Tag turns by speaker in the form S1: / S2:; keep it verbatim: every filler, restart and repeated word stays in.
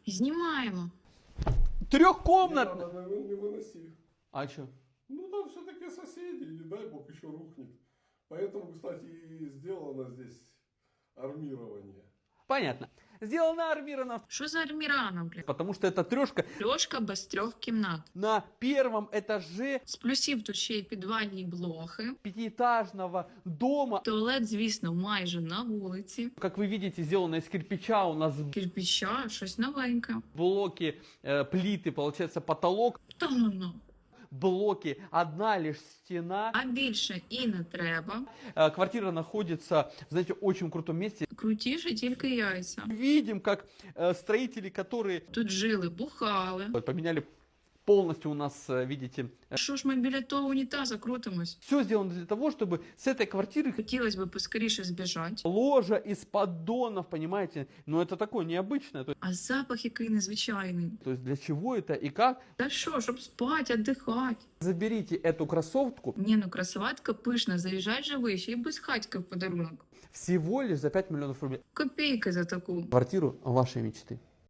S1: Знімаємо.
S2: Трехкомнатная.
S3: Не, не, не выноси.
S2: А что?
S3: Ну там все-таки соседи, не дай бог еще рухнет. Поэтому, кстати, и сделано здесь армирование.
S2: Понятно. Сделано армировано,
S1: Що за армірана, блядь?
S2: потому что это трешка
S1: Льошка без трьох кімнат.
S2: на первом этаже
S1: З плюсів тут ще й підвальні блохи.
S2: пятиэтажного дома.
S1: Туалет, звісно, майже на вулиці.
S2: Как вы видите, сделано из кирпича. У нас
S1: Кирпича, щось новеньке.
S2: блоки, э, плиты, получается потолок.
S1: Та ну ну.
S2: Блоки, одна лишь стена.
S1: А більше і не треба.
S2: Э, Квартира находится, знаете, в очень крутом месте.
S1: Крутіше тільки яйця.
S2: Видим, как э, строители, которые
S1: Тут жили, бухали.
S2: поменяли полностью у нас, э, видите,
S1: Що ж ми біля того унітаза крутимось?
S2: все сделано для того, чтобы с этой квартиры
S1: Хотілося б поскоріше збіжати.
S2: ложа из поддонов, понимаете? Но это такое необычное. То,
S1: А запах який незвичайний.
S2: то есть для чего это и как?
S1: Та що, щоб спати, віддихати.
S2: Заберите эту кроссовку
S1: Ні, ну красоватка пишна, заїжджай живий, ще й без хатька в подарунок.
S2: всего лишь за пять миллионов рублей.
S1: Копійки за таку.
S2: Квартиру вашей мечты.